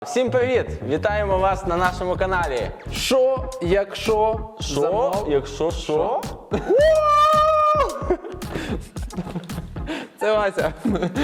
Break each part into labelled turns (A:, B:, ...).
A: Всім привіт! Вітаємо вас на нашому каналі.
B: Що, якщо...
A: Що?
B: Це Вася.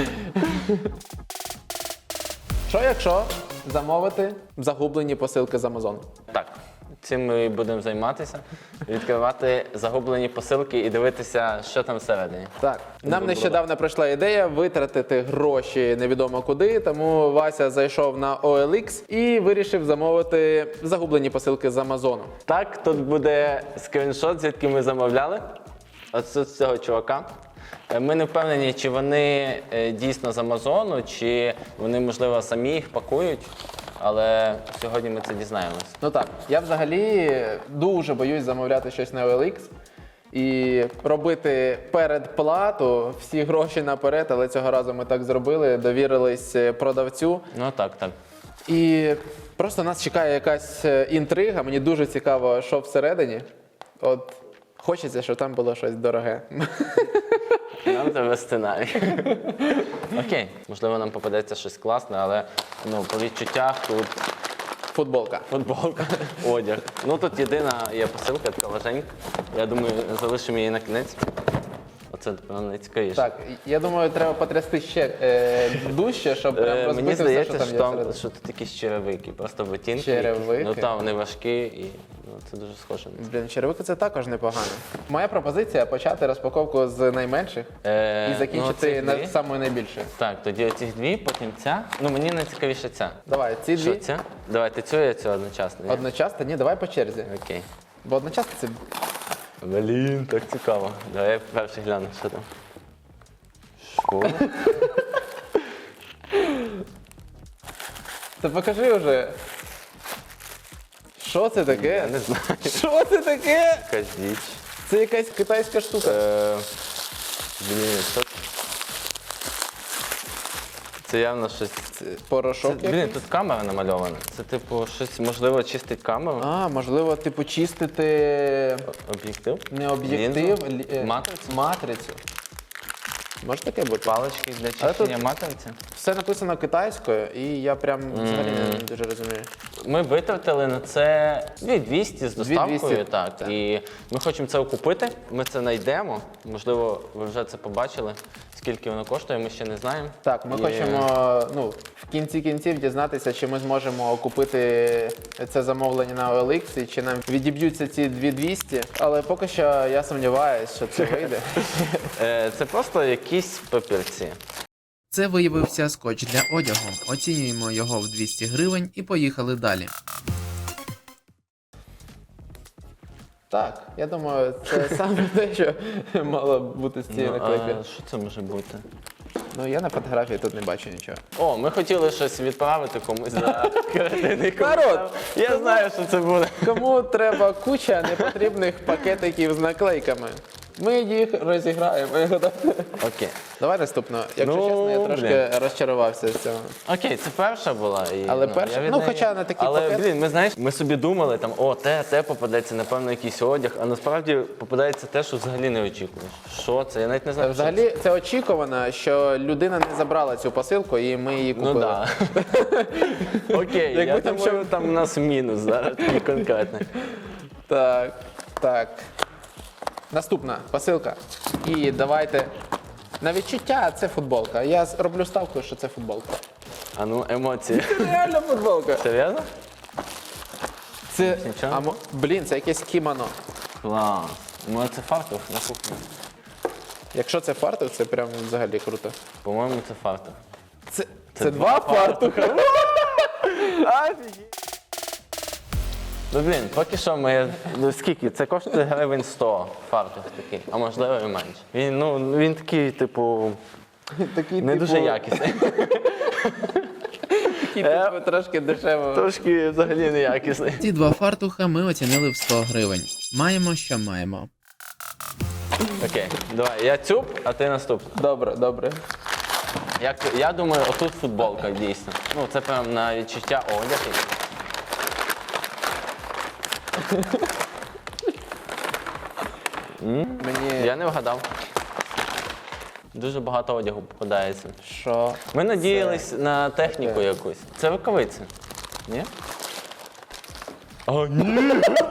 B: Що, якщо замовити загублені посилки з Амазону?
A: Так, цим ми і будемо займатися. Відкривати загублені посилки і дивитися, що там всередині.
B: Так. Нам нещодавно прийшла ідея витратити гроші невідомо куди, тому Вася зайшов на OLX і вирішив замовити загублені посилки з Амазону.
A: Так, тут буде скріншот, звідки ми замовляли. Оце з цього чувака. Ми не впевнені, чи вони дійсно з Амазону, чи вони, можливо, самі їх пакують. Але сьогодні ми це дізнаємось.
B: Ну так, я взагалі дуже боюсь замовляти щось на OLX і робити передплату, всі гроші наперед, але цього разу ми так зробили, довірились продавцю.
A: Ну так.
B: І просто нас чекає якась інтрига, мені дуже цікаво, що всередині. От хочеться, щоб там було щось дороге.
A: Нам треба сценарій. Окей, можливо, нам попадеться щось класне, але по відчуттях тут
B: Футболка.
A: футболка, одяг. Ну тут єдина є посилка, така важенька. Я думаю, залишимо її на кінець. Оце, напевно, найцікавіше.
B: Так, я думаю, треба потрясти ще дужче, щоб прям розбити
A: Мені
B: все,
A: здається,
B: що там є всередині.
A: що тут якісь черевики, просто ботинки.
B: Черевики?
A: Ну там вони важкі і це дуже схоже.
B: Блін, черевики це також непогано. Моя пропозиція почати розпаковку з найменших і закінчити
A: цих дві.
B: на самою найбільшою.
A: Так, тоді оці дві, потім ця. Ну мені найцікавіше ця.
B: Давай, ці
A: Що
B: дві
A: ця? Давайте цю і цю одночасно. ні?
B: одночасно, ні, давай по черзі.
A: Окей.
B: Бо одночасно це...
A: Блін, так цікаво. Давай я перший гляну, що там. Що?
B: Та покажи вже. Що це таке?
A: Я не знаю.
B: Що це таке?
A: Якась діч.
B: Це якась китайська штука.
A: Блін, що це? Це явно щось.
B: Порошок
A: Блін,
B: якийсь?
A: тут камера намальована. Це типу щось, можливо, чистить камеру.
B: А, можливо, типу чистити
A: Об'єктив?
B: не об'єктив,
A: Матрицю?
B: матрицю. Може таке бути?
A: Палички для
B: Але тут-
A: чищення матриці.
B: Все написано китайською, і я прям взагалі не дуже розумію.
A: Ми витратили на це 2200 з доставкою,
B: 2200,
A: так.
B: так.
A: І ми хочемо це окупити, ми це знайдемо. Можливо, ви вже це побачили. Скільки воно коштує, ми ще не знаємо.
B: Так, ми
A: І-
B: хочемо в кінці кінців дізнатися, чи ми зможемо купити це замовлення на OLX, і чи нам відіб'ються ці 2200. Але поки що я сумніваюся, що це вийде.
A: Це просто якісь папірці.
C: Це виявився скотч для одягу. Оцінюємо його в 200 гривень і поїхали далі.
B: Так, я думаю, це саме те, що мало бути з цієї наклейки.
A: А що це може бути?
B: Ну, я на фотографії тут не бачу нічого.
A: О, ми хотіли щось відправити комусь за кредитний
B: Народ!
A: Я знаю, що це буде.
B: Кому треба куча непотрібних пакетиків з наклейками? Ми їх розіграємо.
A: Окей.
B: Давай наступно. Якщо
A: Ну,
B: чесно, я трошки розчарувався з цього.
A: Окей, це перша була. І,
B: Але перша?
A: я від
B: Ну,
A: неї-
B: хоча на такі
A: Але,
B: пакети-
A: блін, ми, знаєш, ми собі думали, там, те попадеться, напевно, якийсь одяг, а насправді попадається те, що взагалі не очікуєш. Що це? Я навіть не знаю, що це.
B: Взагалі, це очікувано, що людина не забрала цю посилку і ми її купили.
A: Ну так. Да. Окей,
B: Якби
A: я
B: там
A: думаю, там у нас мінус зараз такий конкретний.
B: Так. Наступна посилка. І давайте. На відчуття це футболка. Я роблю ставку, що це футболка.
A: А ну, емоції.
B: Реально футболка.
A: Серйозно?
B: Це.
A: Нічого?
B: Блін, це якесь кімоно.
A: Клас. Ну, це фартух на кухні.
B: Якщо це фартух, це прям взагалі круто.
A: По-моєму, це фартух.
B: Це два фартуха. Офігеть.
A: Ну, блін, поки що ми... Ну, скільки? Це коштує гривень 100 фартух такий, а можливо і менше. Він такий, типу,
B: Такий,
A: не дуже якісний.
B: Такий, трошки дешево.
A: Трошки взагалі не якісний.
C: Ці два фартуха ми оцінили в 100 гривень. Маємо, що маємо.
A: Окей, давай, я цюб, а ти наступний.
B: Добре.
A: Я думаю, отут футболка дійсно. Ну, це прям на відчуття одяг.
B: Мені.
A: Я не вгадав. Дуже багато одягу попадається.
B: Що?
A: Ми надіялись на техніку
B: таке?
A: якусь. Це рукавиці. Ні? О, ні!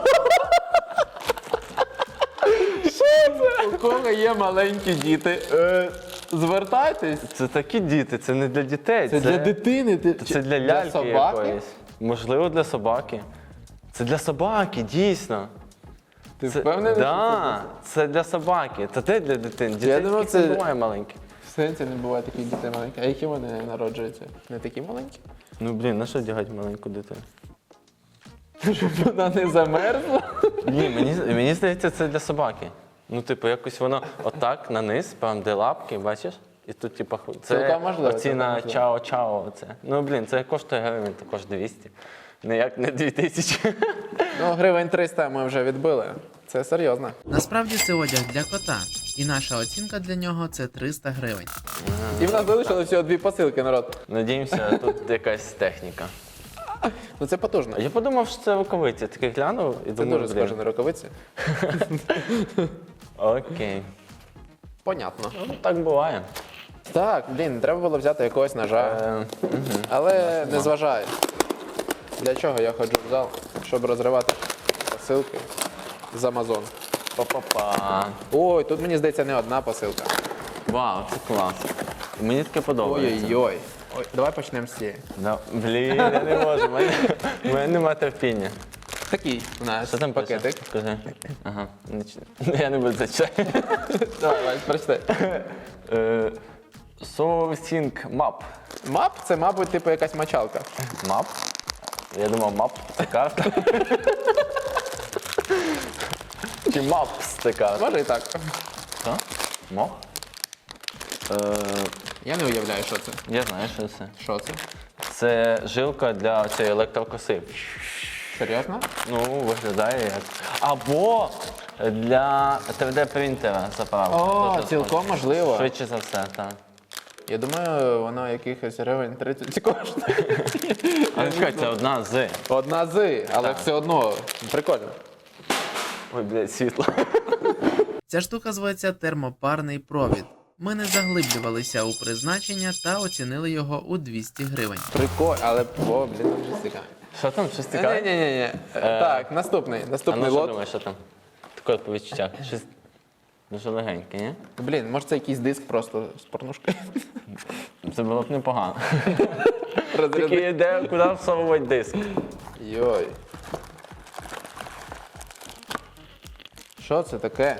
B: У кого є маленькі діти, звертайтесь.
A: Це такі діти, це не для дітей.
B: Це для дитини.
A: Це для ляльки
B: собаки?
A: якоїсь. Можливо, для собаки. Це для собаки, дійсно.
B: Ти впевнений, що
A: Да, це для собаки. Це те для дитини. Дітей
B: думав,
A: таких не
B: це-
A: буває маленьких.
B: В сенсі не буває таких дітей маленьких. А які вони народжуються? Не такі маленькі?
A: Ну, блін, на що одягати маленьку дитину?
B: Щоб вона не замерзла.
A: Ні, мені здається, це для собаки. Ну, типу, якось воно отак на низ, прям де лапки, бачиш? І тут, типу, це
B: Цілком можливо,
A: оці
B: цілком
A: на
B: можливо.
A: чао-чао. Оце. Ну, блін, це коштує гривень також 200. Ніяк не 2000.
B: Ну, гривень 300 ми вже відбили. Це серйозно.
C: Насправді це одяг для кота, і наша оцінка для нього це 300 гривень.
B: І в нас залишилося всього 2 посилки, народ.
A: Надіємося, тут якась техніка.
B: Ну це потужно.
A: А я подумав, що це рукавиці. Такий глянув і
B: Це
A: думаю,
B: дуже
A: блін,
B: схоже на рукавиці.
A: окей.
B: Понятно.
A: Ну, так буває.
B: Так, блін, треба було взяти якогось ножа.
A: Мгм.
B: Але не зважай. Для чого я ходжу в зал? Щоб розривати посилки з Amazon.
A: Па-па-па.
B: Ой, тут мені здається не одна посилка.
A: Вау, це клас. Мені таке подобається.
B: Ой-ой-ой. Ой, давай почнемо з цієї.
A: Да. Блін, я не можу. У мене немає терпіння.
B: Такий у нас
A: Що там пише?
B: пакетик.
A: Скажи. Ага. Я не буду зачитати.
B: Давай, прочитай.
A: Sourcing map.
B: Мап це, мабуть, типу якась мочалка.
A: Map? Я думав, map – це карта. Чи maps – це карта?
B: Може і так.
A: Що? Мох?
B: Я не уявляю, що це.
A: Я знаю, що це.
B: Що це?
A: Це жилка для цієї електрокоси.
B: Серйозно?
A: Ну, виглядає як. Або для 3D-принтера заправка.
B: О,
A: Дуже
B: цілком
A: схоже.
B: можливо.
A: Швидше за все, так.
B: Я думаю, воно якихось гривень 30 коштує.
A: Але чекай, це одна з.
B: Одна з, але
A: Так.
B: все одно прикольно.
A: Ой, блядь, світло.
C: Ця штука зветься термопарний провід. Ми не заглиблювалися у призначення та оцінили його у 200 гривень.
B: Прикольно, але о, блін, там вже цікаво.
A: Що там? Щось цікаве?
B: Ні. Так, наступний
A: А ну
B: наступний
A: що
B: лот.
A: думаєш, що там? Таке по відчуттях. Щось дуже легеньке, ні?
B: Блін, може це якийсь диск просто з порнушкою.
A: Це було б непогано.
B: Розряди.
A: Тільки де, куди всовувати диск?
B: Йой. Що це таке?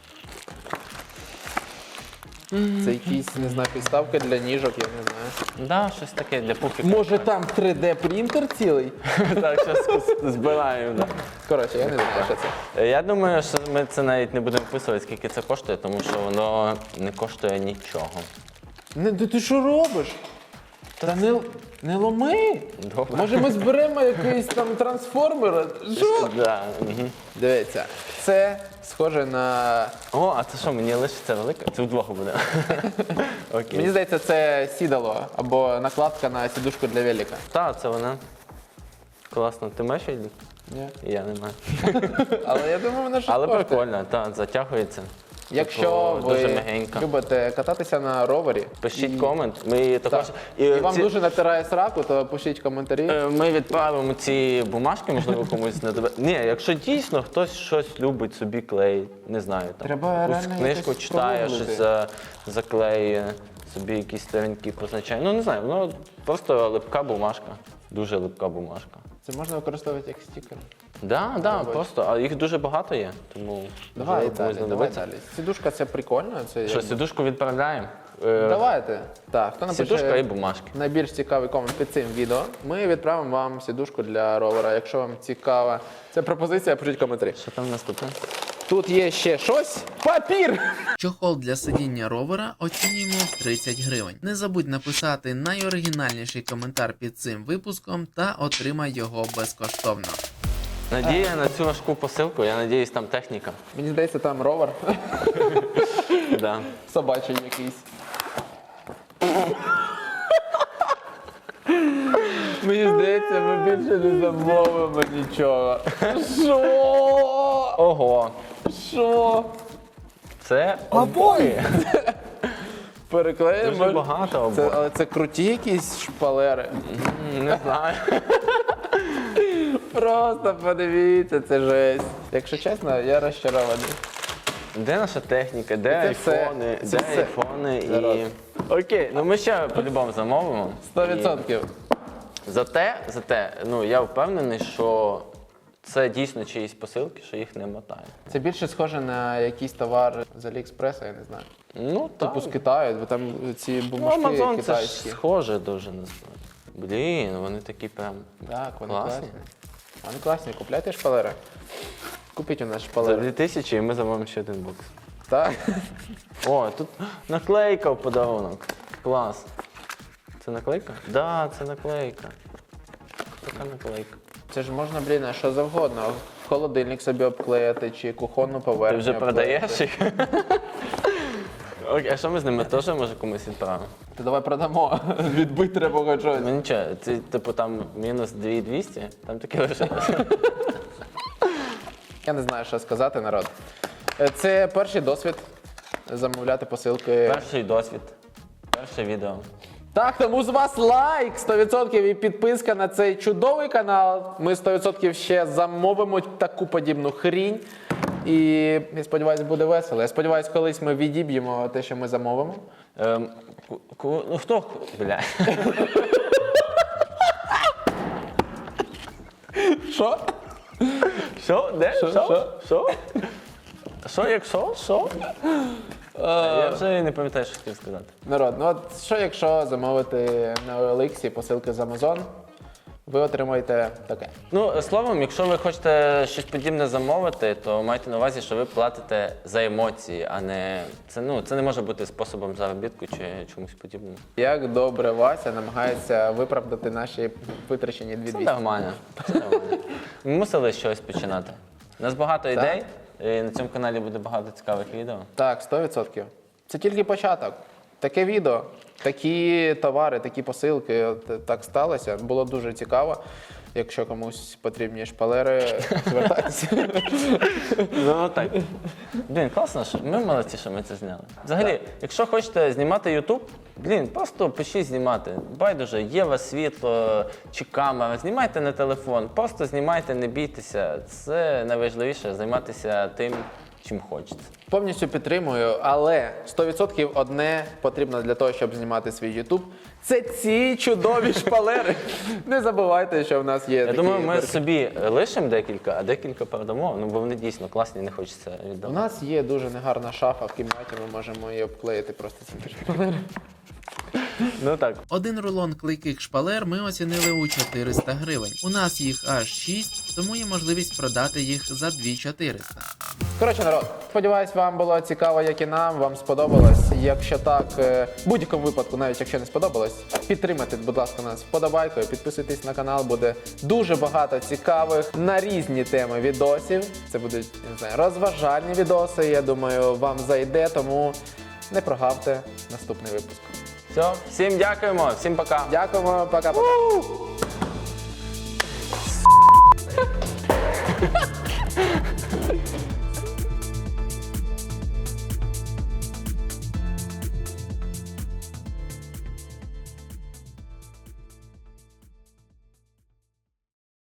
B: Це якісь, не знаю, підставки для ніжок, я не знаю.
A: Да, щось таке для пуфіка.
B: Може там 3D принтер цілий?
A: Так, щось збираємо. Да.
B: Коротше, я не знаю, що це.
A: Я думаю, що ми це навіть не будемо вписувати, скільки це коштує, тому що воно не коштує нічого.
B: Не, ти що робиш? Та не ломи.
A: Добре.
B: Може ми зберемо якийсь там трансформер? Що?
A: Да. Угу.
B: Дивіться, це схоже на.
A: О, а це що, мені лишиться велика? Це вдвох буде. Окей.
B: Мені здається, це сідало або накладка на сідушку для велика.
A: Так, це вона. Класно. Ти маєш її?
B: Ні.
A: Я не маю.
B: Але я думаю, вона щось
A: Але
B: коштує.
A: прикольно, так, затягується.
B: Якщо
A: Типу, дуже
B: ви
A: м'ягенько.
B: любите кататися на ровері,
A: Пишіть комент. Ми її також.
B: так, і вам
A: ці-
B: дуже натирає сраку, то пишіть коментарі.
A: Ми відправимо ці бумажки, можливо, комусь не дове. Ні, якщо дійсно хтось щось любить собі клей, не знаю, там
B: Треба
A: якусь
B: реально
A: книжку
B: якось
A: читає,
B: спробувати.
A: щось заклеює, собі якісь сторінки позначає. Ну не знаю, воно просто липка бумажка. Дуже липка бумажка.
B: Це можна використовувати як стікер.
A: Да, просто, а їх дуже багато є, тому
B: Давай
A: можливо,
B: далі,
A: комусь
B: давай
A: знадобиться.
B: далі. Сідушка це прикольно. Це
A: Що,
B: якби-
A: сідушку відправляємо?
B: Давайте. Так, хто напише
A: Сідушка і бумажки.
B: найбільш цікавий комент під цим відео, ми відправимо вам сідушку для ровера. Якщо вам цікава ця пропозиція, пишіть коментарі.
A: Що там наступне?
B: Тут є ще щось. Папір!
C: Чохол для сидіння ровера оцінюємо в 30 гривень. Не забудь написати найоригінальніший коментар під цим випуском та отримай його безкоштовно.
A: Надія на цю важку посилку, я надіюсь, там техніка.
B: Мені здається, там ровер.
A: Да.
B: Собачий якийсь. Мені здається, ми більше не замовимо нічого. Що?
A: Ого!
B: Що?
A: Це обої.
B: Переклеїмо.
A: Дуже багато
B: Це,
A: обоїв.
B: але це круті якісь шпалери.
A: Не знаю.
B: просто подивіться, це жесть. Якщо чесно, я розчарований.
A: Де наша техніка, де
B: Це все.
A: айфони,
B: Це
A: де
B: все.
A: айфони
B: Народ.
A: і... Окей, ну ми ще по-любому замовимо.
B: 100%.
A: Зате, ну я впевнений, що це дійсно чиїсь посилки, що їх не мотає.
B: Це більше схоже на якийсь товар з Аліекспреса, я не знаю.
A: Ну, так.
B: Типу з Китаю, бо там ці
A: Ну,
B: бумажки
A: Amazon це
B: китайські.
A: ж схоже дуже на знаю. Блін, вони такі прям
B: Так, вони
A: класні.
B: класні. Вони класні, купляйте шпалери. Купіть у нас
A: За
B: шпалери.
A: 2000 і ми замовимо ще один бокс.
B: Так?
A: О, тут наклейка в подарунок. Клас. Це наклейка? Так, да, це наклейка. Така наклейка.
B: Це ж можна, блін, а що завгодно. Холодильник собі обклеїти чи кухонну
A: Ти
B: поверхню.
A: вже продаєш
B: обклеїти.
A: їх? Окей, а що ми з ними теж може комусь відправимо?
B: То давай продамо. Відбити треба хоч щось.
A: Ну нічого, це типу там мінус 2200, там таке лишилося.
B: Я не знаю, що сказати, народ. Це перший досвід замовляти посилки.
A: Перший досвід, перше відео.
B: Так, тому з вас лайк 100% і підписка на цей чудовий канал. Ми 100% ще замовимо таку подібну хрінь. І я сподіваюся, буде весело. Я сподіваюся, колись ми відіб'ємо те, що ми замовимо.
A: Ну хто? Бля.
B: Що?
A: Що? Де?
B: Що?
A: Що? Що, якщо? Що? Я вже не пам'ятаю, що хотів сказати.
B: Народ, ну от що якщо замовити на OLX посилки з Amazon, ви отримаєте таке.
A: Ну, словом, якщо ви хочете щось подібне замовити, то майте на увазі, що ви платите за емоції, а не це не може бути способом заробітку чи чомусь подібному.
B: Як добре Вася намагається виправдати наші витрачені
A: Це
B: 2200.
A: нормально. Це нормально. Ми мусили щось починати. У нас багато ідей, і на цьому каналі буде багато цікавих відео.
B: Так, 100%. Це тільки початок. Таке відео, такі товари, такі посилки. От так сталося. Було дуже цікаво. Якщо комусь потрібні шпалери, звертайтеся.
A: Ну так. Блін, класно, що ми молодці, що ми це зняли. Взагалі, якщо хочете знімати YouTube, просто пишіть знімати. Байдуже, є у вас світло чи камера, знімайте на телефон, просто знімайте, не бійтеся. Це найважливіше займатися тим, чим хочеться.
B: Повністю підтримую, але 100% одне потрібно для того, щоб знімати свій YouTube. Це ці чудові шпалери. Не забувайте, що в нас є
A: Я
B: такі
A: думаю, ми
B: дирки.
A: собі лишимо декілька, а декілька передамо, бо вони дійсно класні, не хочеться
B: У
A: віддавати.
B: нас є дуже негарна шафа в кімнаті, ми можемо її обклеїти просто цими шпалерами.
A: Ну так.
C: Один рулон клейких шпалер ми оцінили у 400 гривень. У нас їх аж 6, тому є можливість продати їх за 2400.
B: Коротше, народ, сподіваюсь, вам було цікаво, як і нам, вам сподобалось. Якщо так, в будь-якому випадку, навіть якщо не сподобалось, підтримайте, будь ласка, нас вподобайкою, підписуйтесь на канал, буде дуже багато цікавих на різні теми відосів. Це будуть, не знаю, розважальні відоси, я думаю, вам зайде, тому не прогавте наступний випуск.
A: Все, всім дякуємо, всім пока.
B: Дякуємо, пока-пока.